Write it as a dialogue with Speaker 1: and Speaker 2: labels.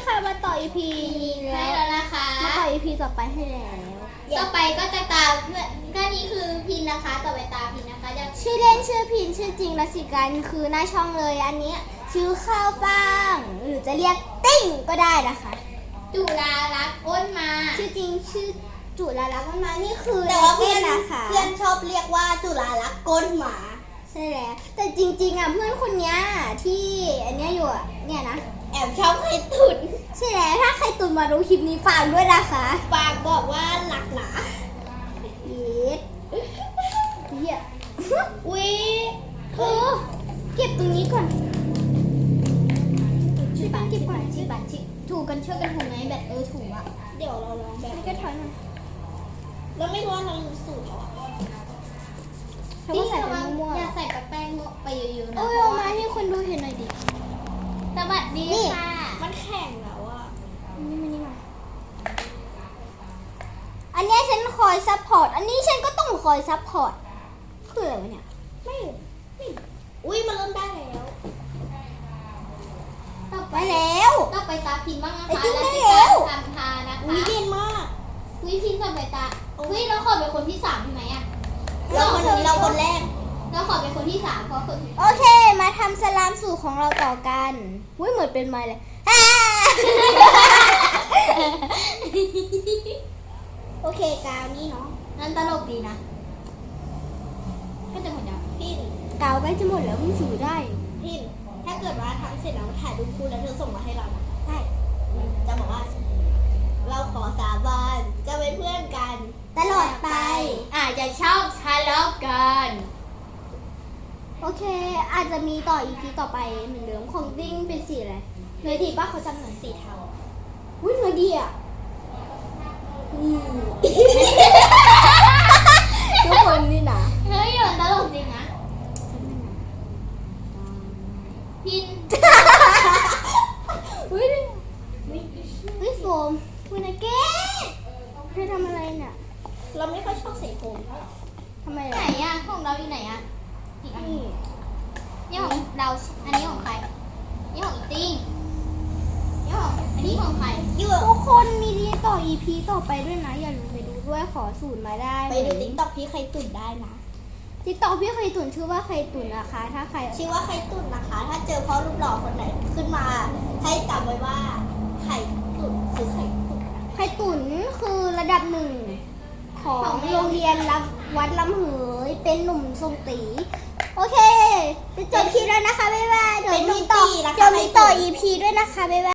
Speaker 1: ค่ะมาต่อ EP นี้
Speaker 2: ให้
Speaker 1: แล้ว
Speaker 2: แล้วนะคะ
Speaker 1: มาต่อ EP ต่อไปให้แล้ว
Speaker 2: ต่อไปก็จะตามเพื่อนก็นี้คือพินนะคะ ต่อไปตามพินนะคะจะ
Speaker 1: ชื่อเล่นชื่อพินชื่อจริงรัสิกันคือหน้าช่องเลยอันนี้ชื่อข้าวฟ่างหรือจะเรียกติ้งก็ได้นะคะ
Speaker 2: จุฬารักษ์อ้นมา
Speaker 1: ชื่อจริงชื่อจุฬาลักษณ์มานี่คือ
Speaker 3: แต่ว่าเพื่อน
Speaker 1: นะคะ
Speaker 3: เพื่อนชอบเรียกว่าจุฬาลักษณ์ก้นหมา
Speaker 1: ใช่แล้วแต่จริงๆอ่ะเพื่อนคนเนี้ยที่อันเนี้ยอยู่อ่ะเนี่ยนะ
Speaker 3: แอบชอบใครตุน
Speaker 1: ใช่แล้วถ้าใครตุนมารู้คลิปนี้ฟังด้วยนะคะ
Speaker 3: ปากบอกว่าหนักหนา
Speaker 1: เย็ดเหี้ย
Speaker 3: อุ๊ย
Speaker 1: เออเก็บตรงนี้ก่อนชิบะเก็บก่อนชิบะชิถูกันช่วยกันถูไหมแบบถูอ่ะ
Speaker 3: เดี๋ยวเราลองแบบ
Speaker 1: นี่ก็ถอยหน่อย
Speaker 3: แล้วไม่รู้ว่าเราลืมสูตรเหรอ
Speaker 1: เขาก็ใส่ไปมั่ว
Speaker 2: อย่าใส่แป้งไปเยอะๆ
Speaker 1: ๆ
Speaker 2: นะ
Speaker 1: โอ้ยเอามาให้คนดูเห็นหน่อยดิ
Speaker 2: สวัสดี
Speaker 1: นี่
Speaker 2: ค่ะ
Speaker 3: มันแข็งแล้วอะ
Speaker 1: นี่มาอันเนี้ยฉันคอยซัพพอร์ตอันนี้ฉันก็ต้องคอยซัพพอร์ตคืออะไรวะเนี่ย
Speaker 3: ไม่อุ๊ยมันเริ่มได้แล้ว
Speaker 2: ต่อไป
Speaker 1: ไปแล้ว
Speaker 2: ต่อไปตาพินบ้างนะ
Speaker 1: ไอ้
Speaker 2: คะ
Speaker 1: จิ้มได้
Speaker 2: แล้ว
Speaker 1: แล้ว
Speaker 2: ทำทานะคะ
Speaker 3: อุ๊ยเย็นมาก
Speaker 2: วิพินต่อไปตาวิเราขอเป็นคนที่3ใช่ไหมอ่ะ
Speaker 3: เราคนแรก
Speaker 2: เราขอเป็นคนที่3เพราะคน
Speaker 1: โอเค มาทำสลามสูตรของเราต่อกันอุ้ยเหมือนเป็นไม้เลย
Speaker 3: โอเคกาวนี่เนาะ
Speaker 2: นั่นตลกดีนะก็จะหมดยัง
Speaker 3: พิน
Speaker 1: กาวใกล้จะหมดแล้วมึงสูได้
Speaker 3: พินถ้าเกิดว่าทำเสร็จแล้วถ่ายรูปคู่แล้วเธอส่งมาให้เรานะ
Speaker 1: ได้
Speaker 3: จะบอกว่า เราขอสาบานจะเป็นเพื่อนกัน
Speaker 1: ตลอดไป
Speaker 2: อาจจะชอบทะเลาะกัน
Speaker 1: โอเค อาจจะมีต่อ EP ต่อไปเหมือนเดิมของดิ้งเป็นสีอะไรเนื้อดีป่ะเขาจำหน่อย
Speaker 3: สีเทา
Speaker 1: อุ้ยเนื้อดีอ่ะนี่ ทุกคนนี่นะ
Speaker 2: เฮ้ยมันตลกจริงนะพิน
Speaker 1: อุ้ยอุ้ยโฟมคุณนะเก้เธอทำอะไรเนี่ย
Speaker 3: เราไม่ค่อยชอบสีโฟมเท่าไหร่
Speaker 1: ทำไม
Speaker 2: ไหน
Speaker 1: ล่ะ
Speaker 2: อ่ะของเราอยู่ไหนอ่ะอีกอัน
Speaker 1: นี่
Speaker 2: นี่ของเราอันนี้ของใครนี่ของอีติ้งนี่ของอันนี้ของใคร
Speaker 3: อยู่
Speaker 1: ทุกคนมีดีต่อ EP ต่อไปด้วยนะ อย่าลืมไปดูด้วยขอสูตรมาได้
Speaker 3: ไปดูติ๊กต็อกพี่ใครตุ่นได้นะ
Speaker 1: ติ๊กต็อกพี่เคยตุ่นชื่อว่าใครตุ่นนะคะ ถ้าใคร
Speaker 3: ชื่อว่าไข่ตุ่นนะคะ ถ้าเจอพ่อรูปหล่อคนไหนขึ้นมา ให้จำไว้ว่าไข่ตุ่นคือไข่ตุ่น
Speaker 1: ใครตุ่นคือระดับหนึ่งของโรงเรียนวัดลำเหยเป็นหนุ่มทรงตี โอเค จะจบคลิปแล้วนะคะ บ๊ายบาย เดี๋ยวมีต่อ EP ด้วยนะคะ บ๊ายบาย